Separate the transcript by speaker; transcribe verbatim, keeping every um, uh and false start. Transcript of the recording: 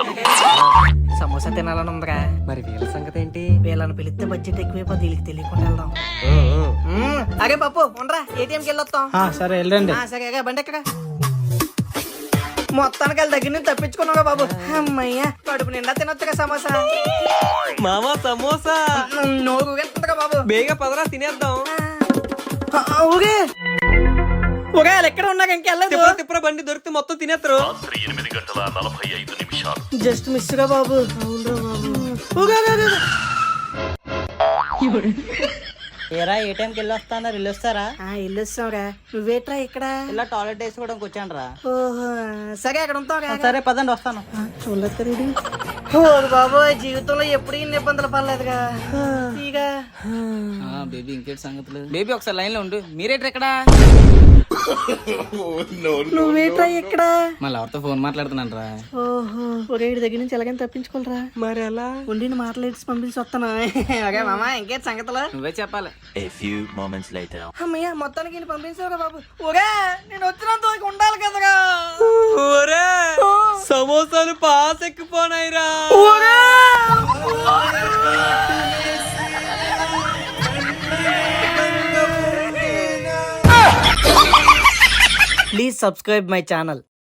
Speaker 1: సమోసా తినాలని ఉందిరా.
Speaker 2: మరి వీళ్ళ సంగతి ఏంటి?
Speaker 1: వీళ్ళని పిలిస్తే బడ్జెట్ ఎక్కువైపోతే వీళ్ళకి తెలియకుండా వెళ్దాం. మ్మ్. అరే పప్పు ఉండరా, ఏటీఎంకి వెళ్ళొస్తాం.
Speaker 3: సరే వెళ్ళండి.
Speaker 1: ఆ, సరే అగా బండి ఎక్కడ మొత్తానికి వాళ్ళ దగ్గర నుంచి తప్పించుకున్నాగా బాబు. అమ్మయ్యా, కడుపు నిండా తినొచ్చుగా సమోసా.
Speaker 2: మామా సమోసా
Speaker 1: నోరు వెళ్తుందిగా బాబు.
Speaker 2: బేగా పదరా తినేద్దాం.
Speaker 1: ఆ, ఆ, ఊగే ఊగే వాళ్ళు ఎక్కడ ఉన్నాక ఇంకెళ్ళదు.
Speaker 2: తిప్పరా తిప్పరా బండి దొరికితే మొత్తం తినేస్తారు.
Speaker 4: రాత్రి ఎనిమిది గంటల నలభై ఐదు నిమిషాలు.
Speaker 1: జస్ట్ మిస్ గా బాబు. అవునరా బాబు. ఊగే, ఊగే, ఊగే.
Speaker 3: ఏరా ఏ టైంకి వెళ్ళి వస్తాను వెళ్ళి వస్తారా?
Speaker 1: ఆ, వెళ్ళొస్తాంరా. నువ్వేట్రా ఇక్కడ?
Speaker 3: ఇలా టాయిలెట్ వేసుకోవడానికి వచ్చాను రా.
Speaker 1: ఓహో, సరే అక్కడ ఉంటాం.
Speaker 3: సరే పదండి వస్తాను.
Speaker 1: చూడలేదు బాబు, జీవితంలో ఎప్పుడు ఇన్ని ఇబ్బందులు పడలేదుగా. ఇక
Speaker 3: బేబీ ఇంకేటి సంగతులు? బేబీ ఒకసారి లైన్ లో ఉండు. మీరేట్రా ఇక్కడ?
Speaker 1: నువ్వేట్రా ఇక్కడ?
Speaker 3: మళ్ళీ ఎవరితో ఫోన్ మాట్లాడుతున్నాను రా.
Speaker 1: ఓహో, ఒరే వీడి దగ్గర నుంచి ఎలాగైనా తప్పించుకోలేరా.
Speaker 2: మరి ఎలా?
Speaker 1: ఉండి మాట్లాడి పంపించి వస్తాను. ఓకే మామా, ఇంకేటి సంగతులు?
Speaker 3: నువ్వే చెప్పాలి.
Speaker 4: A few moments later.
Speaker 1: అమ్మయ్య, మొత్తానికి ఈయన పంపించావురా బాబు. ఒరే నేను వచ్చినంత వరకు ఉండాలి కదరా.
Speaker 2: ఒరే సమోసాలు పాస్ ఎక్కిపోనాయిరా.
Speaker 1: Please subscribe my channel.